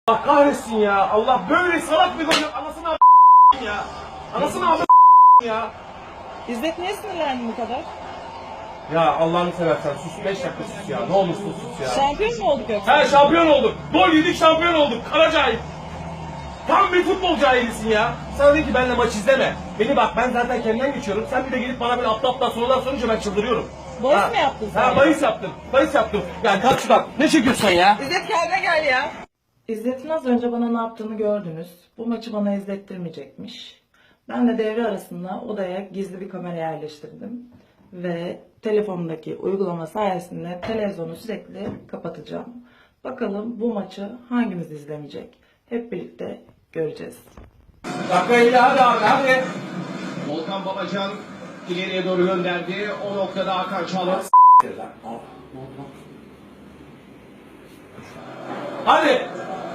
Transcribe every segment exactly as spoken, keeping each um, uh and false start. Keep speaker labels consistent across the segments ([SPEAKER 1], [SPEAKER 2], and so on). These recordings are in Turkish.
[SPEAKER 1] Allah kahretsin ya. Allah böyle salak bir gol yok. Anasını a** ya. Anasını a** ya.
[SPEAKER 2] İzzet niye sinirlendin bu kadar?
[SPEAKER 1] Ya Allah'ını seversen sus. beş dakika sus ya. Ne olursun sus ya.
[SPEAKER 2] Şampiyon mu olduk yoksa?
[SPEAKER 1] He şampiyon olduk. Gol yedik şampiyon olduk. Kara cahil. Tam bir futbol cahilisin ya. Sana dedi ki benimle maç izleme. Beni bak ben zaten kendimden geçiyorum. Sen bir de gelip bana böyle aptal aptal sorular sorunca ben çıldırıyorum.
[SPEAKER 2] Bahis
[SPEAKER 1] Ha.
[SPEAKER 2] mi yaptın sen?
[SPEAKER 1] Ha bahis yaptım. Bahis yaptım. Ya kalk şuradan. Ne çekiyorsun ya?
[SPEAKER 2] İzzet kendine gel ya. İzzet'in az önce bana ne yaptığını gördünüz. Bu maçı bana izlettirmeyecekmiş. Ben de devre arasında odaya gizli bir kamera yerleştirdim. Ve telefonumdaki uygulama sayesinde televizyonu sürekli kapatacağım. Bakalım bu maçı hangimiz izlemeyecek? Hep birlikte göreceğiz.
[SPEAKER 1] Dakika elli hadi abi hadi.
[SPEAKER 3] Volkan Babacan ileriye doğru gönderdi. O noktada Hakan Çalhanoğlu.
[SPEAKER 1] Hadi.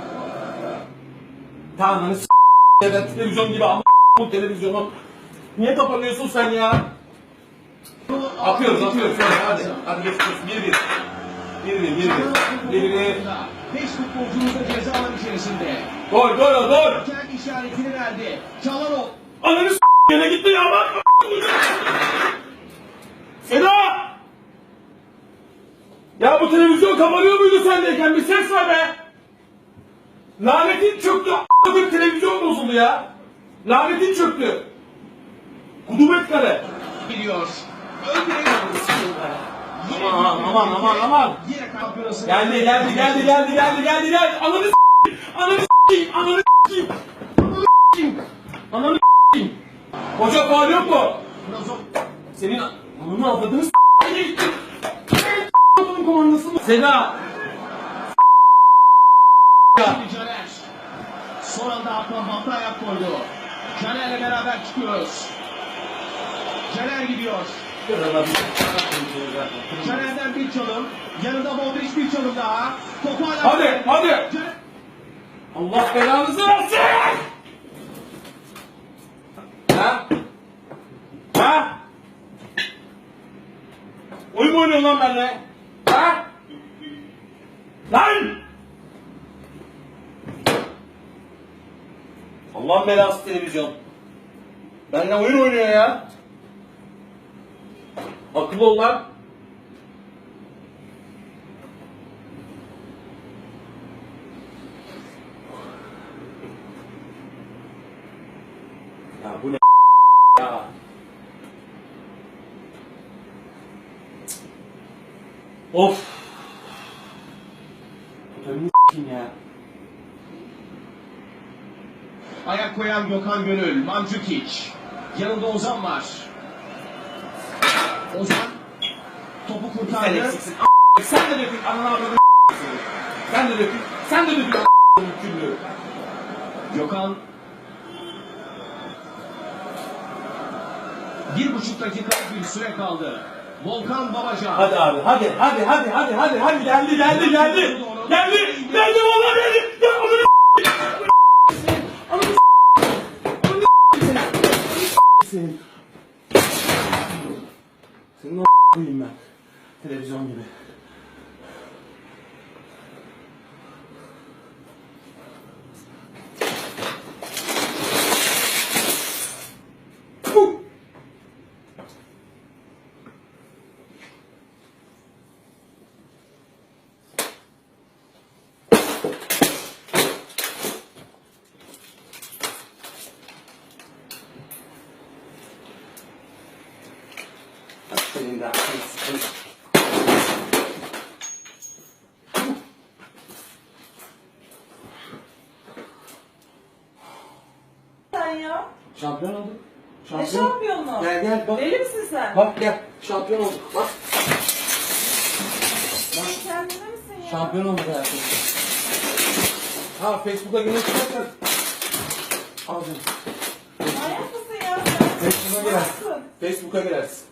[SPEAKER 1] Tamam s*** evet televizyon gibi ama bu televizyonu. Niye kapanıyorsun sen ya? Atıyoruz atıyoruz hadi. Hadi geçiyoruz bir bir. Bir bir bir bir. Bir bir.
[SPEAKER 3] Beş futbolcumuz da ceza alan içerisinde.
[SPEAKER 1] Gol gol gol.
[SPEAKER 3] Kendi işaretini verdi. Çalhanoğlu.
[SPEAKER 1] Ananı s*** yine gitti ya bak. Seda! Ya bu televizyon kapanıyor muydu sendeyken? Bir ses ver be! Lanetin çöktü. A**lık televizyon bozuldu ya. Lanetin çöktü. Kudubet kare.
[SPEAKER 3] Gidiyor. Öldürüyor.
[SPEAKER 1] Aman aman aman aman.
[SPEAKER 3] Yine kampiyonası.
[SPEAKER 1] Geldi geldi geldi geldi geldi geldi geldi. Ananı s***yim. Ananı s***yim. Ananı s***yim. Ananı s***yim. Ananı s***yim. Hoca faul yok mu? Senin ananı avladığını s***yim. Bunun komandası mı? Seda.
[SPEAKER 3] Şimdi Caner. Son anda Hakan Batı ayak koydu. Caner'le beraber çıkıyoruz. Caner gidiyor. Caner'den bir çalım. Yanında Modric bir çalım daha. Topu hala...
[SPEAKER 1] Hadi hadi.
[SPEAKER 3] Caner...
[SPEAKER 1] Allah belanızı versin. Ha? Ha? Oyun mu oynuyorsun lan benimle? Ha? Lan! Allah belası televizyon. Benimle oyun oynuyor ya. Akıllı ol lan. Ya bu ne ya? Of. Tutarını s***im ya.
[SPEAKER 3] Ayak koyan Gökhan Gönül, Mandzukic. Yanında Ozan var. Ozan topu
[SPEAKER 1] Sen
[SPEAKER 3] kurtardı.
[SPEAKER 1] eksiksin. A**. Sen de dökün. Ananı avradını s***sin. Sen de dökün. Sen de dökün. A***ın küllü.
[SPEAKER 3] Gökhan bir buçuk dakikalık bir süre kaldı. Volkan Babacan.
[SPEAKER 1] Hadi abi hadi hadi hadi hadi hadi hadi geldi geldi geldi. Geldi geldi vallahi geldi. Ya onu senin. Senin o koyayım ben. Televizyon gibi. Puh! Senin de aklını sıkın.
[SPEAKER 2] Sen ya.
[SPEAKER 1] Şampiyon olduk.
[SPEAKER 2] Ne şampiyonu?
[SPEAKER 1] Gel gel bak.
[SPEAKER 2] Deli misin sen?
[SPEAKER 1] Bak gel. Şampiyon olduk. Bak.
[SPEAKER 2] Sen kendine misin ya?
[SPEAKER 1] Şampiyon olduk hayatım. Ha Facebook'a girmek istersen. Al canım.
[SPEAKER 2] Manyak mısın ya sen?
[SPEAKER 1] Facebook'a girersin.
[SPEAKER 2] Nasılsın?
[SPEAKER 1] Facebook'a girersin.